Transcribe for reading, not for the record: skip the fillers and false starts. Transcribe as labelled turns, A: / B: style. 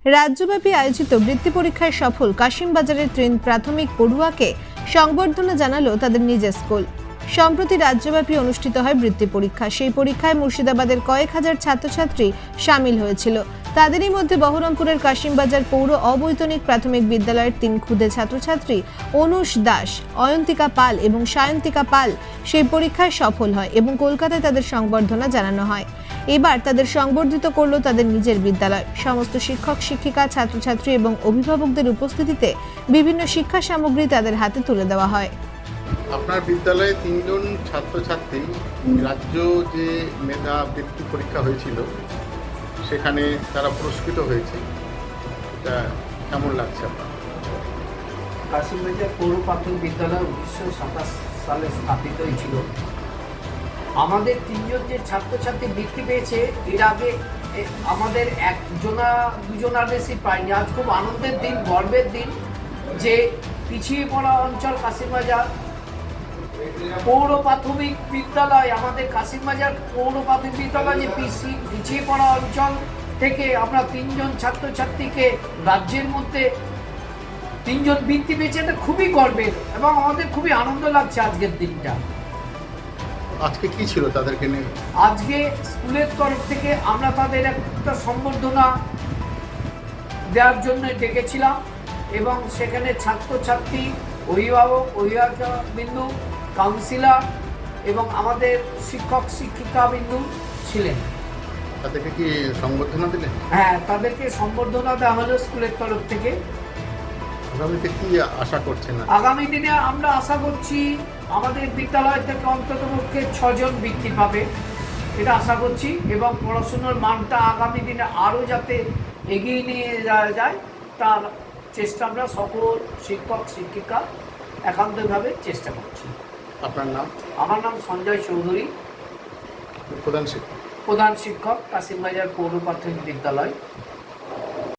A: রাজ্যব্যাপী আয়োজিত বৃত্তি পরীক্ষায় সফল কাশিমবাজারের 3 প্রাথমিক পড়ুয়াকে সংবর্ধনা জানালো তাদের নিজের স্কুল। সম্প্রতি রাজ্যব্যাপী অনুষ্ঠিত হয় বৃত্তি পরীক্ষা। সেই পরীক্ষায় মুর্শিদাবাদের কয়েক হাজার ছাত্রছাত্রী সামিল হয়েছিল। তাদেরই মধ্যে বহরমপুরের কাশিমবাজার পৌর অবৈতনিক প্রাথমিক বিদ্যালয়ের 3 ক্ষুদে ছাত্রছাত্রী অনুষ দাস, অয়ন্তিকা পাল এবং সায়ন্তিকা পাল সেই পরীক্ষায় সফল হয় এবং কলকাতায় তাদের সংবর্ধনা জানানো হয়। এবার তাদের সংবর্ধিত করলো তাদের নিজের বিদ্যালয়। সমস্ত শিক্ষক শিক্ষিকা, ছাত্রছাত্রী এবং অভিভাবকদের উপস্থিতিতে বিভিন্ন শিক্ষা সামগ্রী তাদের হাতে তুলে দেওয়া হয়।
B: আপনার বিদ্যালয়ে 3 জন ছাত্রছাত্রী রাজ্য যে মেধা বৃত্তি পরীক্ষা হয়েছিল সেখানে তারা পুরস্কৃত হয়েছে, এটা কেমন লাগছে আপনার?
C: কাশিমবাজার পৌর প্রাথমিক বিদ্যালয় 1927 সালে স্থাপিত হয়েছিল। আমাদের 3 জন যে ছাত্রছাত্রী বৃত্তি পেয়েছে, এর আগে আমাদের দুজনার বেশি পায়নি। আজ খুব আনন্দের দিন, গর্বের দিন যে পিছিয়ে পড়া অঞ্চল কাশিমবাজার পৌর প্রাথমিক বিদ্যালয়, আমাদের কাশিমবাজার পৌর প্রাথমিক বিদ্যালয় যে পিছিয়ে পড়া অঞ্চল থেকে আমরা 3 জন ছাত্রছাত্রীকে রাজ্যের মধ্যে 3 জন বৃত্তি পেয়েছে, এটা খুবই গর্বের এবং আমাদের খুবই আনন্দ লাগছে আজকের দিনটা।
B: আজকে কি ছিল তাদেরকে নিয়ে?
C: আজকে স্কুলের তরফ থেকে আমরা তাদের একটা সম্বর্ধনা দেওয়ার জন্য ডেকেছিলাম এবং সেখানে ছাত্রছাত্রী, অভিভাবকবৃন্দ, কাউন্সিলর এবং আমাদের শিক্ষক শিক্ষিকাবৃন্দ ছিলেন।
B: তাদেরকে কি সংবর্ধনা দিলেন?
C: হ্যাঁ, তাদেরকে সম্বর্ধনা দেওয়া হলো স্কুলের তরফ থেকে।
B: আগামীতে কি আশা করছেন?
C: আগামী দিনে আমরা আশা করছি আমাদের বিদ্যালয় থেকে অন্ততপক্ষে 6 জন বৃত্তি পাবে, এটা আশা করছি, এবং পড়াশুনোর মানটা আগামী দিনে আরও যাতে এগিয়ে নিয়ে যাওয়া যায় তার চেষ্টা আমরা সকল শিক্ষক শিক্ষিকা একান্তভাবে চেষ্টা করছি।
B: আপনার নাম?
C: আমার নাম সঞ্জয় চৌধুরী,
B: প্রধান শিক্ষক
C: প্রধান শিক্ষক, কাশিমবাজার পৌর প্রাথমিক বিদ্যালয়।